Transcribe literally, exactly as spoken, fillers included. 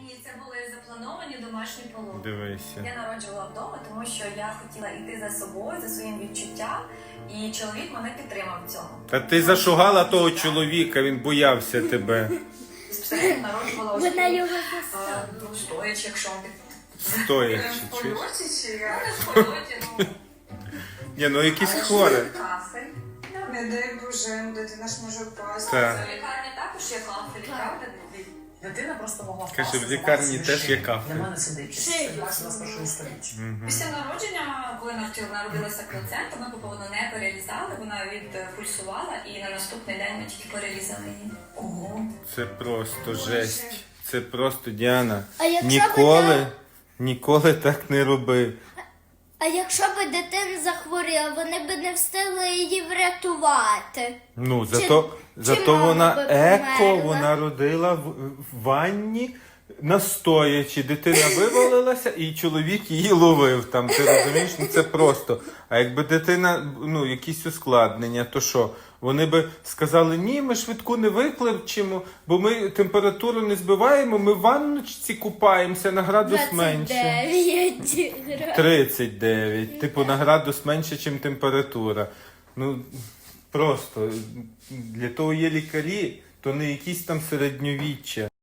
Ні, це були заплановані домашні пологи. Дивися. Я народжувала вдома, тому що я хотіла йти за собою, за своїм відчуттям, і чоловік мене підтримав в цьому. Та ти зашугала того чоловіка, він боявся тебе. Спостерігаю, народжувала ось Вона тут, його а, застала. ну, стоячи, якщо він Стоячи, в чуєш? польоті, чи я в польоті, ну... Ні, ну якісь хворе. Кафель. Не дай Боже, дитина ж може впасти. Так. В лікарні також є кафель, правда? Дитина просто могла впасти. Каже, в зламати лікарні собі теж є шию. кафель. Для мене це дикість. Шию. Це двадцять першого століття. Після народження, коли навтіл- народилася плацента, ми поповно не перерізали, вона відпульсувала, і на наступний день ми тільки перерізали її. Ого. Це просто жесть. Це просто, Діана, А якщо ніколи, би та- ніколи так не роби. А якщо б дитина захворіла, вони б не встигли її врятувати. Ну, Чи- зато, чи зато мама вона би еко, померла? вона родила в, в ванні, настоячи. Дитина вивалилася, і чоловік її ловив там. Ти розумієш? Ну це просто. А якби дитина, ну, якісь ускладнення, то що? Вони би сказали, ні, ми швидку не викличемо, бо ми температуру не збиваємо, ми в ванночці купаємося на градус менше. двадцять дев'ять градусів. тридцять дев'ять. Типу на градус менше, ніж температура. Ну, просто для того є лікарі, то не якісь там середньовіччя.